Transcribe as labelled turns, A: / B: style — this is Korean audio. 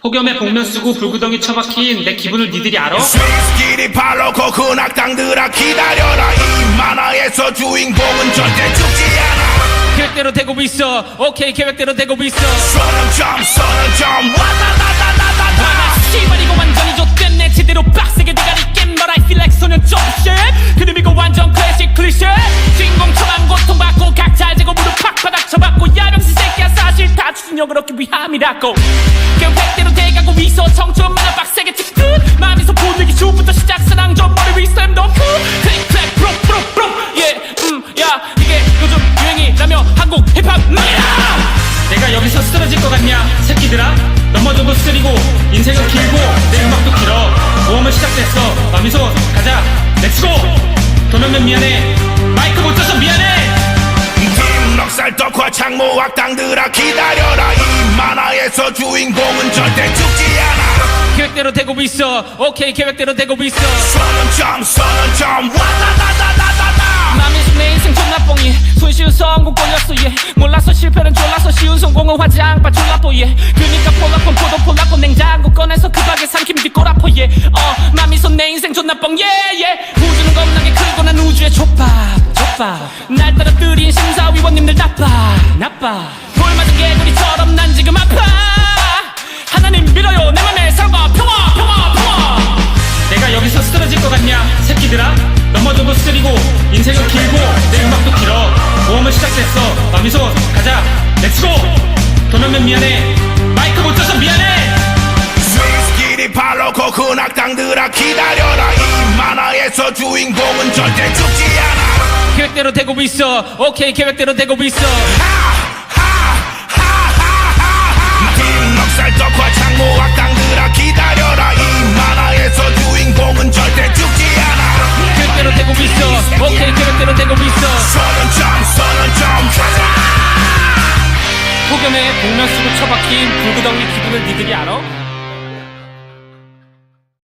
A: 폭염에 복면 쓰고 불구덩이 처박힌 내 기분을 니들이 알아?
B: 스위스끼리 발로고 그 악당들아 기다려라. 이 만화에서 주인공은 절대 죽지 않아.
C: 계획대로 되고 있어. 오케이 계획대로 되고 있어.
B: 선은 점 와다다다다다다.
C: 씨발 이거 완전히 좆됐네. 제대로 빡세게 대가리 깬 But I feel like 소년 좀 shit. 그놈 이거 완전 클래식 클리셰. 주인공처럼 고통받고 각자 알제고 무릎 팍바닥 쳐박고 야병신 새끼야 사실 다 추진력을 얻기 위함이라고. 계획대로 돼가고 있어. 청춘 만화 빡세게 찍듯 마음에서 보내기 주부터 시작 사랑 좀 머리 위 스탬 더 클릭 클릭 프로 프로 프로 야 이게 요즘 유행이라며 한국 힙합
A: 내가 여기서 쓰러질 것 같냐 새끼들아? 넘어져도 쓰리고 인생은 길고 내 음악도 길어. 모험은 시작됐어. 마미소 가자 렛츠고. 도면면 미안해. 마이크 못 쳐서 미안해.
B: 팀 넉살 덕화 창모 악당들아 기다려라. 이 만화에서 주인공은 절대 죽지 않아.
C: 계획대로 되고 있어. 오케이 계획대로 되고 있어.
B: 선은 점 와다다다다다다.
C: 맘이 내 인생 존나 뽕이 손쉬운 성공 걸렸어 yeah. 몰라서 실패는 졸라서 쉬운 성공은 화장바 졸라뽀 yeah. 그니까 폴라폰 포도 폴라폰 냉장고 꺼내서 그 박에 삼킴 뒷골아포 yeah. 맘이 손내 인생 존나 뽕 yeah, yeah. 우주는 겁나게 크고 난 우주의 족밥 날 떨어뜨린 심사위원님들 나빠 돌 맞은 개구리처럼 난 지금 아파. 하나님 믿어요 내 맘에 사랑과 평화.
A: 내가 여기서 쓰러질 것 같냐 새끼들아? 넘어져도 쓰리고 인생은 길고 내 음악도 길어. 모험은 시작됐어. 마미소 가자 렛츠고. 도면면 미안해. 마이크 못 쳐서 미안해.
B: 스위스끼리 발로고 그 악당들아 기다려라. 이 만화에서 주인공은 절대 죽지 않아.
C: 계획대로 되고 있어. 오케이 계획대로 되고 있어.
B: 팀 넉살 덕화 창모 악당들아 기다려라. 이 만화에서 주인공은 절대 죽지 않아.
C: 계획대로 되고 있어. 오케이 계획대로 되고 있어.
B: 선은 점 가자.
C: 폭염에 복면 쓰고 처박힌 불구덩이 기분을 니들이 알아?